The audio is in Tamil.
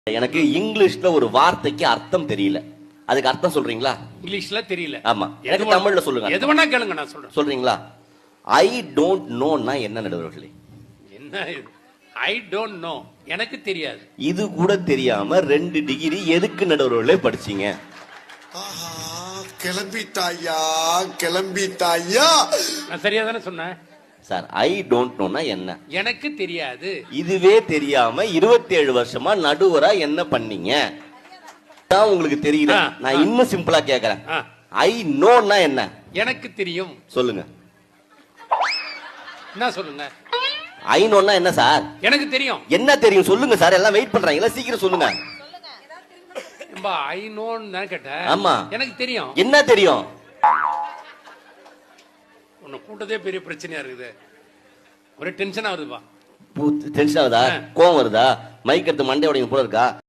எனக்கு இங்கிலீஷ்ல ஒரு வார்த்தைக்கு அர்த்தம் தெரியல. அதுக்கு அர்த்தம் சொல்றீங்களா? இங்கிலீஷ்ல தெரியல. ஆமா, எனக்கு தமிழ்ல சொல்லுங்க. எது வேணா கேளுங்க, நான் சொல்றேன். சொல்றீங்களா? ஐ டோன்ட் நோன்னா என்ன நடுவர்களே? என்ன இது? ஐ டோன்ட் நோ, எனக்கு தெரியாது. இது கூட தெரியாம 2 டிகிரி எதுக்கு நடுவர்களே படிச்சீங்க? கிளம்பிட்டாயா கிளம்பிட்டாயா. நான் சரியா தானே சொன்னேன் சார். ஐ டோன்ட் நோன்னா என்ன? எனக்கு தெரியாது. இதுவே தெரியாம 27 வருஷமா நடுவரா என்ன பண்ணீங்க? உங்களுக்கு தெரியல. நான் இன்னும் சிம்பிளா கேக்குறேன். ஐ நோன்னா என்ன? எனக்கு தெரியும். சொல்லுங்க. என்ன சொல்லுங்க? ஐ நோன்னா என்ன சார்? எனக்கு தெரியும். என்ன தெரியும் சொல்லுங்க சார். எல்லாம் வெயிட் பண்றாங்களா, சீக்கிரம் சொல்லுங்க. ஐ நோன்னு தான் கேட்டேன். ஆமா, எனக்கு தெரியும். என்ன தெரியும்? உன்னை கூட்டதே பெரிய பிரச்சனையா இருக்குது. ஒரே டென்ஷன் ஆகுதுப்பா. டென்ஷன் ஆகுதா? கோவம் வருதா? மைக் எடுத்து மண்டை உடையும் போல இருக்கா?